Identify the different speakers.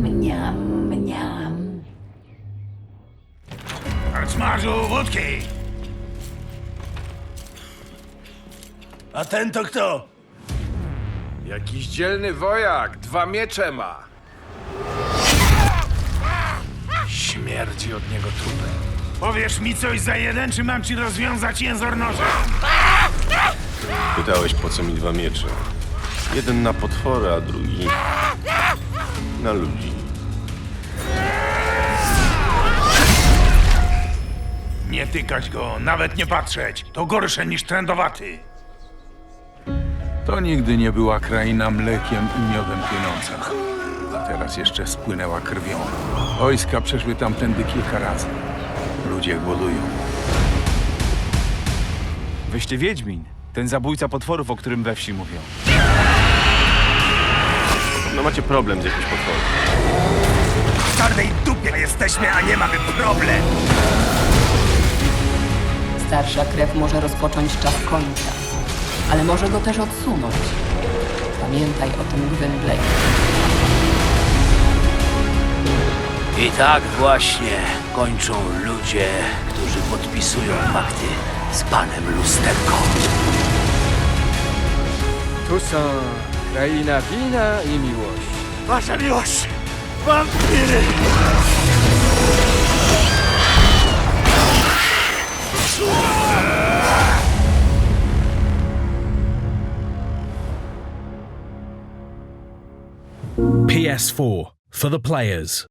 Speaker 1: Mniam, mniam.
Speaker 2: Smażu wódki! A ten to kto?
Speaker 3: Jakiś dzielny wojak, 2 miecze ma. Śmierdzi od niego trupem.
Speaker 2: Powiesz mi coś za jeden, czy mam ci rozwiązać jęzor nożem?
Speaker 4: Pytałeś, po co mi 2 miecze. Jeden na potwory, a drugi na ludzi.
Speaker 2: Nie tykać go, nawet nie patrzeć. To gorsze niż trędowaty.
Speaker 5: To nigdy nie była kraina mlekiem i miodem płynąca. A teraz jeszcze spłynęła krwią. Wojska przeszły tamtędy kilka razy. Ludzie głodują.
Speaker 6: Wyście Wiedźmin. Ten zabójca potworów, o którym we wsi mówią.
Speaker 4: No macie problem z jakimś potworem.
Speaker 2: W czarnej dupie jesteśmy, a nie mamy problem.
Speaker 1: Starsza krew może rozpocząć czas końca, ale może go też odsunąć. Pamiętaj o tym, Gwynblade.
Speaker 7: I tak właśnie kończą ludzie, którzy podpisują pakty z panem Lusterką.
Speaker 8: Tu są kraina wina i miłości.
Speaker 2: Wasza miłość! Wampiry!
Speaker 9: PS4 for the players.